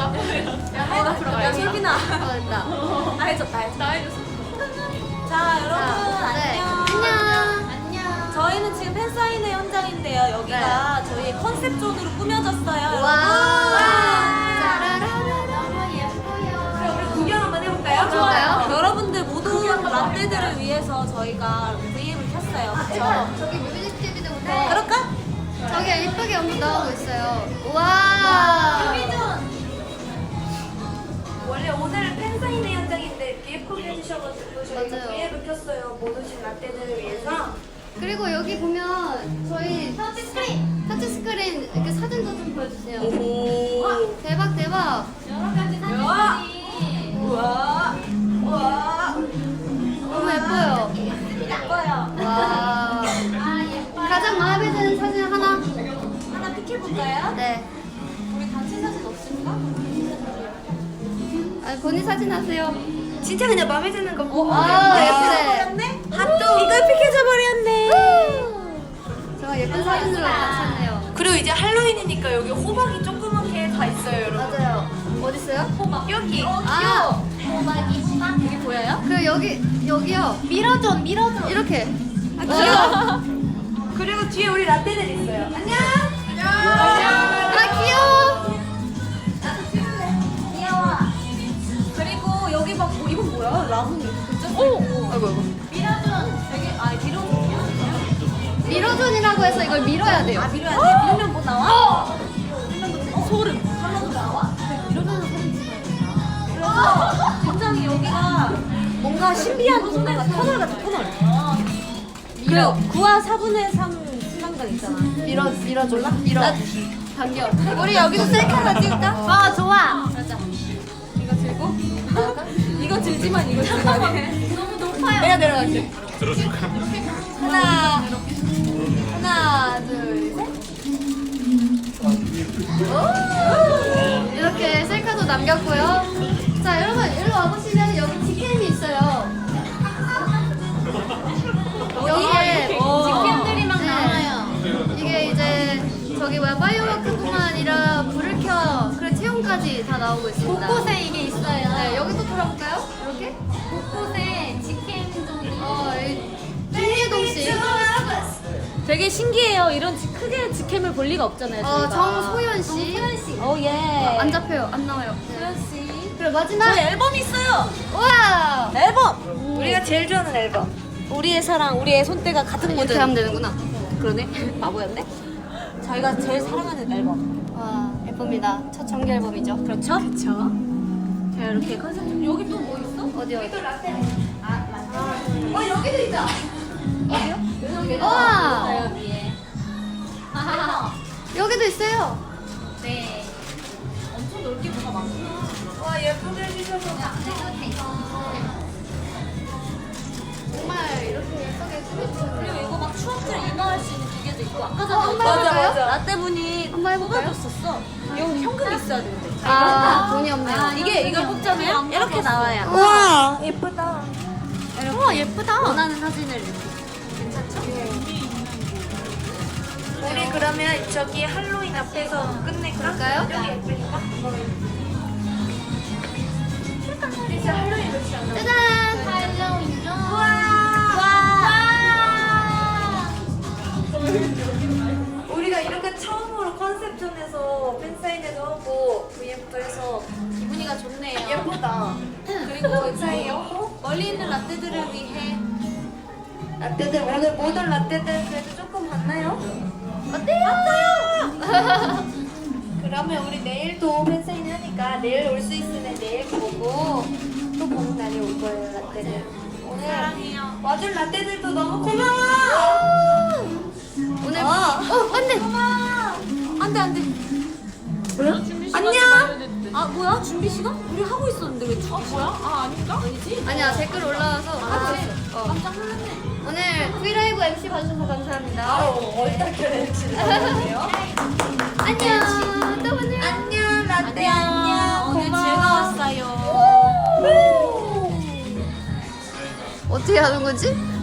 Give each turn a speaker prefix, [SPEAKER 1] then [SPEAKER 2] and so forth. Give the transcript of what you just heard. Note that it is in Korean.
[SPEAKER 1] 야, 솔빈아.
[SPEAKER 2] 됐다.
[SPEAKER 1] 나 해줬다.
[SPEAKER 3] 나 해줬어.
[SPEAKER 1] 자, 여러분,
[SPEAKER 2] 네.
[SPEAKER 1] 안녕.
[SPEAKER 2] 안녕.
[SPEAKER 1] 저희는 지금 팬사인회 현장인데요. 여기가 저희의 컨셉존으로 꾸며졌어요.
[SPEAKER 2] 와.
[SPEAKER 1] 여러분.
[SPEAKER 2] 짜라라라. 너무 예뻐요.
[SPEAKER 1] 그럼 우리 구경 한번 해볼까요?
[SPEAKER 2] 좋아요.
[SPEAKER 1] 여러분들 모든 라떼들을 위해서 저희가 VM을 켰어요. 그렇죠?
[SPEAKER 2] 저기 뮤직비디오부터.
[SPEAKER 1] 그럴까?
[SPEAKER 2] 저기 예쁘게 연기 나오고 있어요. 우와.
[SPEAKER 4] 원래 오늘 팬사인회 현장인데 이렇게 예쁘게 해주셔가지고 저희가
[SPEAKER 2] 맞아요.
[SPEAKER 4] V앱을 켰어요. 못 오신 라떼들을 위해서.
[SPEAKER 2] 그리고 여기 보면 저희 터치스크린 이렇게 사진도 좀 보여주세요. 와, 대박 대박.
[SPEAKER 1] 여러 가지 사진들이.
[SPEAKER 4] 우와. 우와.
[SPEAKER 2] 너무 예뻐요.
[SPEAKER 1] 예뻐요.
[SPEAKER 2] 와. 가장 마음에 드는 사진 하나.
[SPEAKER 1] 하나 픽해볼까요?
[SPEAKER 2] 네.
[SPEAKER 1] 우리 단체 사진 없을까?
[SPEAKER 2] 아, 본인 사진 하세요.
[SPEAKER 4] 진짜 그냥 마음에 드는 거 보고.
[SPEAKER 2] 아, 예쁘네.
[SPEAKER 1] 버렸네? 핫도 이걸 픽해줘 버렸네.
[SPEAKER 2] 정말 예쁜 사진으로 감쌌네요.
[SPEAKER 4] 그리고 이제 할로윈이니까 여기 호박이 조그맣게 다 있어요, 여러분.
[SPEAKER 2] 맞아요. 어디 있어요?
[SPEAKER 1] 호박.
[SPEAKER 4] 여기.
[SPEAKER 2] 아,
[SPEAKER 1] 호박이 호박. 여기 보여요?
[SPEAKER 2] 그 여기요.
[SPEAKER 1] 밀어줘.
[SPEAKER 2] 이렇게.
[SPEAKER 4] 그리고 뒤에 우리 라떼들 있어요. 안녕.
[SPEAKER 2] 아, 귀여워.
[SPEAKER 1] 귀여워. 그리고 여기 막 이건 뭐야? 라문이 글자
[SPEAKER 2] 오.
[SPEAKER 1] 써있고.
[SPEAKER 2] 아이고.
[SPEAKER 1] 밀어준 되게 밀어준이야?
[SPEAKER 2] 미러존이라고 해서 이걸 밀어야 돼요.
[SPEAKER 1] 밀어야 돼. 밀면 뭐 나와?
[SPEAKER 2] 소름.
[SPEAKER 1] 칼로도 나와? 밀어주는 사진 찍어야 그래서 굉장히 여기가 뭔가 신비한 공간 같아. 터널 같아, 터널. 그리고 9와 4분의 3 순간간 있잖아.
[SPEAKER 2] 밀어줄라? 밀어. 반겨. 우리 여기서 셀카 하나 찍을까?
[SPEAKER 1] 아, 좋아.
[SPEAKER 2] 맞아.
[SPEAKER 1] 이거 들고? 이거 들지만 이거 들고 안 해. 너무 높아요.
[SPEAKER 2] 내가 내려갈게.
[SPEAKER 5] 들어줄까?
[SPEAKER 2] 하나, 둘, 셋. 오! 이렇게 셀카도 남겼고요. 자, 여러분, 일로 와보시면 여기 직캠이 있어요. 여기에
[SPEAKER 1] 직캠들이 막
[SPEAKER 2] 네.
[SPEAKER 1] 나와요.
[SPEAKER 2] 이게 이제 저기 파이어워크뿐만 아니라 불을 켜, 그래 체온까지 다 나오고 있습니다.
[SPEAKER 1] 곳곳에 이게 있어요.
[SPEAKER 2] 네, 여기도 돌아볼까요? 이렇게?
[SPEAKER 1] 곳곳에 직캠존이.
[SPEAKER 2] 김예동 씨.
[SPEAKER 1] 되게 신기해요. 이런 크게 직캠을 볼 리가 없잖아요. 저희가.
[SPEAKER 2] 정소연 씨.
[SPEAKER 1] 정소연 씨. 오 예.
[SPEAKER 2] 안 잡혀요. 안 나와요.
[SPEAKER 1] 소연 씨.
[SPEAKER 2] 그리고 마지막.
[SPEAKER 1] 저희 앨범이 있어요.
[SPEAKER 2] 우와!
[SPEAKER 1] 앨범.
[SPEAKER 4] 우리가 제일 좋아하는 앨범.
[SPEAKER 1] 우리의 사랑, 우리의 손때가 가득
[SPEAKER 2] 이렇게
[SPEAKER 1] 묻은.
[SPEAKER 2] 하면 되는구나.
[SPEAKER 1] 그러네. 바보였네. 저희가 제일 사랑하는 앨범.
[SPEAKER 2] 와, 예쁩니다. 첫 정규 앨범이죠.
[SPEAKER 1] 그렇죠? 그렇죠. 자 이렇게 컨셉. 여기 또 뭐 있어?
[SPEAKER 2] 어디요?
[SPEAKER 4] 여기도 있다.
[SPEAKER 2] 우와!
[SPEAKER 1] 여기에.
[SPEAKER 2] 여기도 있어요.
[SPEAKER 1] 네. 엄청 넓게 뭐가 많구나.
[SPEAKER 4] 와, 예쁘게 해주셔서.
[SPEAKER 2] 정말 이렇게 예쁘게 꾸며주셨네요.
[SPEAKER 1] 그리고 이거 막 추억들 인화할 수 있는 기계도 있고 아까 전에
[SPEAKER 2] 한번
[SPEAKER 1] 어떤
[SPEAKER 2] 해볼까요?
[SPEAKER 1] 라떼분이
[SPEAKER 2] 한번 해볼까요?
[SPEAKER 1] 뽑아줬었어. 이거 현금 있어야 되는데.
[SPEAKER 2] 아, 돈이 없네요.
[SPEAKER 1] 이걸 뽑자면 이렇게 나와요.
[SPEAKER 4] 우와, 예쁘다.
[SPEAKER 2] 우와, 예쁘다.
[SPEAKER 1] 원하는 사진을 이렇게. 괜찮죠?
[SPEAKER 4] 우리 그러면 저기 할로윈 앞에서 끝낼까?
[SPEAKER 2] 그럴까요?
[SPEAKER 4] 여기 예쁘니까. 이제 할로윈 며칠 안 남았어.
[SPEAKER 2] 짜잔!
[SPEAKER 4] 우리가 이렇게 처음으로 컨셉존에서 팬사인회도 하고 VM도 해서
[SPEAKER 1] 기분이가 좋네요.
[SPEAKER 4] 예쁘다.
[SPEAKER 1] 그리고 사이였고 멀리 있는 라떼들을 위해
[SPEAKER 4] 라떼들 오늘 모든 라떼들 그래도 조금 봤나요?
[SPEAKER 2] 어때요?
[SPEAKER 4] 그러면 우리 내일도 팬사인회 하니까 내일 올 수 있으면 내일 보고 또 보는 날이 올 거예요, 라떼들. 오늘
[SPEAKER 1] 사랑해요.
[SPEAKER 4] 와준 라떼들도 너무 고마워.
[SPEAKER 2] 오늘 안 돼.
[SPEAKER 1] 안돼 안돼.
[SPEAKER 4] 뭐야?
[SPEAKER 1] 안녕. 아 뭐야 준비 시간? 우리 하고 있었는데 왜 준비 시간? 아 아닌가? 아니지?
[SPEAKER 2] 아니야, 댓글 올라와서 하고 있어.
[SPEAKER 1] 깜짝 놀랐네.
[SPEAKER 2] 오늘 브이라이브 MC 봐주셔서 감사합니다.
[SPEAKER 4] 바로 얼떨결에 지내요.
[SPEAKER 2] 안녕. 또 만나요.
[SPEAKER 4] 안녕, 라떼
[SPEAKER 1] 안녕. 오늘
[SPEAKER 4] 고마워.
[SPEAKER 1] 즐거웠어요.
[SPEAKER 2] 어떻게 하는 거지?